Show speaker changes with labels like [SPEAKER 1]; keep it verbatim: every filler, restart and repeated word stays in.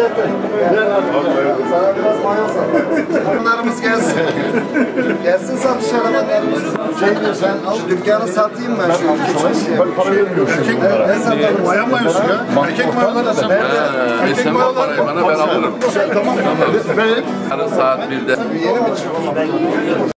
[SPEAKER 1] Sana biraz mayo sat. Bunlarımız gelsin. Gelsin satış arabalarımız. Şey diyor sen al dükkanı satayım ben şu ülke
[SPEAKER 2] Ben para vermiyorum şimdi bunlara.
[SPEAKER 1] Ben satarım.
[SPEAKER 2] Bayan mayosu ya. Erkek mayoları da sen.
[SPEAKER 3] Sen o parayı bana ben alırım.
[SPEAKER 2] Tamam. Ben
[SPEAKER 3] Yarın saat birde.
[SPEAKER 1] Yeni mi çıktı?